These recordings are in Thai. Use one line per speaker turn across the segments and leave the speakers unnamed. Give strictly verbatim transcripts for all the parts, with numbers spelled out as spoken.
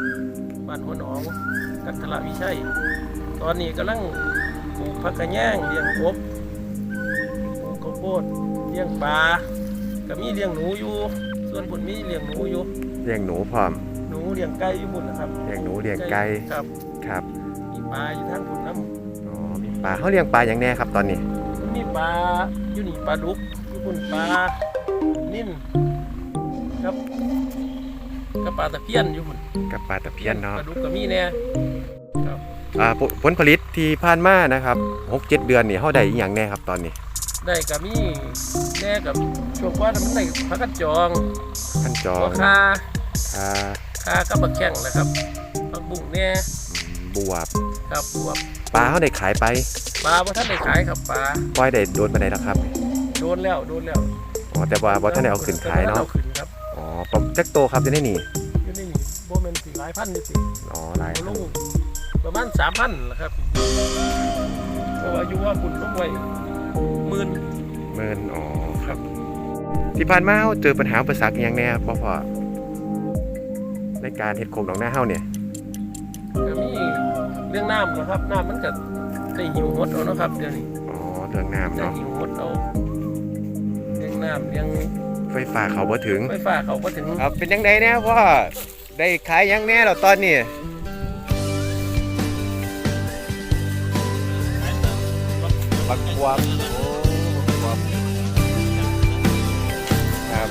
บ้านหัวหนองกันทละวิชัยตอนนี้กำลังปลูกผักกระแยงเลี้ยงกบปลูกข้าวโพดเลี้ยงปลาก็มีเลี้ยงหนูอยู่ส่วนผุนมีเลี้ยงหนูอยู่
เลี้ยงหนูพร้อม
หนูเลี้ยงไก่อยู่บุญนะครับ
เลี้ยงหนูเลี้ยงไก่
ครับ
ครับ
มีปลาอยู่ทางผุนน้ำ
อ๋อมีปลาเขาเลี้ยงปลาอย่างแน่ครับตอนนี้
มีปลาอยู่นี่ปลาดุกอยู่บุญปลานิ่นครับกับปลาตะเพียนอยู่บุญ
กับปลาตะเพียนเนาะ
ปลาดุกก็มีแน่ครับ
อ่าผลผลิตที่ผ่านมานะครับหกเจ็ดเดือนนี่เขาได้อย่างแน่ครับตอนนี้
ได้กับมีแน่กับช่วงว่ามันได้พักกันจอง
พันจอง
คา
คา
คากับบักแข้งนะครับผักบุ้งแน่
บวบ
ครับบวบ
ปลาเขาได้ขายไป
ปลาบ่ท่านได้ขายครับปลา
ปล่อยได้โดนไปไหนแล้วครับ
โดนแล้วโดนแล้ว
อ๋อแต่ว่าบ่ท่านได้เอาขึ้นขายเนาะ
เอาขึ้นครับ
อ๋อประมาณจักโตครับจะได้หนี
อยู่ในนี่โบแมนสี่หลายพันนี่สิ
อ๋อหลาย
ลงประมาณสามพันนะครับเพราะว่าอยู่ว่าคุณต้องไว้หมื่น
หมื่นอ๋อครับที่ผ่านมาเจอปัญหาอุปสรรคอย่างแน่พ่อพ่อในการเฮ็ดโคกหนองนาเฮาเนี่ย
ก็มีเรื่องน้ำนะครับน้ำมันก็ได้หิวหดเอานะครับเดี๋ยวนี้
อ๋อเรื่องน้ำเนาะ
หิวหดเอาเรื่องน้ำเรื่อง
ไฟฟ้าเขาบ่ถึง
ไฟฟ้าเขาบ่ถึง
ครับเป็นยังไงแน่พ่อได้ขายยังแน่แล้วตอนนี้บักบวบโอ้บักบวบครับ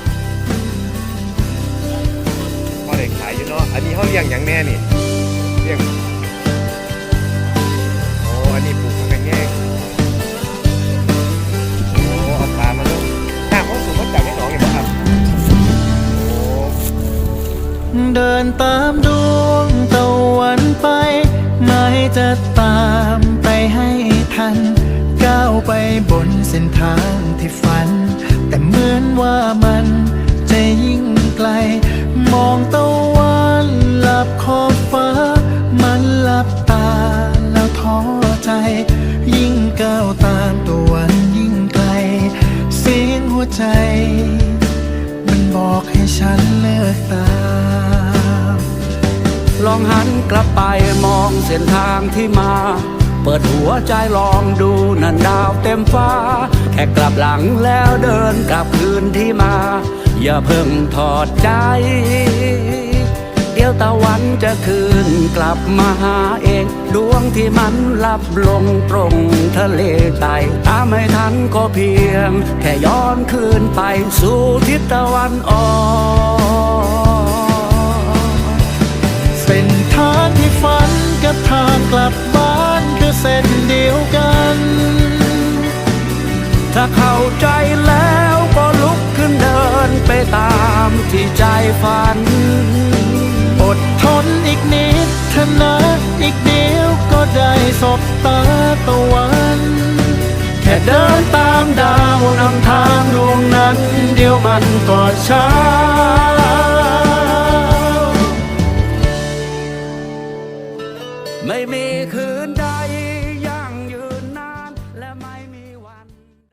พ่อได้ขายอยู่เนาะอันนี้เขาเลี้ยงอย่างแน่นี่เลี้ยงโอ้อันนี้ปลูกผักกระแยงโอ้เอาปลามาลงน้ำเขาสูบมาจากในหนองอย่างไรครับโอ้
เดินตามดวงตะวันไปไม่จะตามไปให้ทันก้าวไปบนเส้นทางที่ฝันแต่เหมือนว่ามันจะยิ่งไกลมองตะวันหลับขอบฟ้ามันหลับตาแล้วท้อใจยิ่งก้าวตามตะวันยิ่งไกลเสียงหัวใจมันบอกให้ฉันเลิกตาม
ลองหันกลับไปมองเส้นทางที่มาเปิดหัวใจลองดูนั่นดาวเต็มฟ้าแค่กลับหลังแล้วเดินกลับคืนที่มาอย่าเพิ่งถอดใจเดี๋ยวตะวันจะคืนกลับมาหาเองดวงที่มันลับลงตรงทะเลใต้ตามไม่ทันก็เพียงแค่ย้อนคืนไปสู่ทิศตะวันออก
เส้นทางที่ฝันกับทางกลับบ้านคือเส้นเดียวกัน
ถ้าเข้าใจแล้วก็ลุกขึ้นเดินไปตามที่ใจฝัน
อดทนอีกนิดเถอะนะอีกเดียวก็ได้สบตาตะวันแค่เดินตามดาวนำทางดวงนั้นเดี๋ยวมันก็ช้า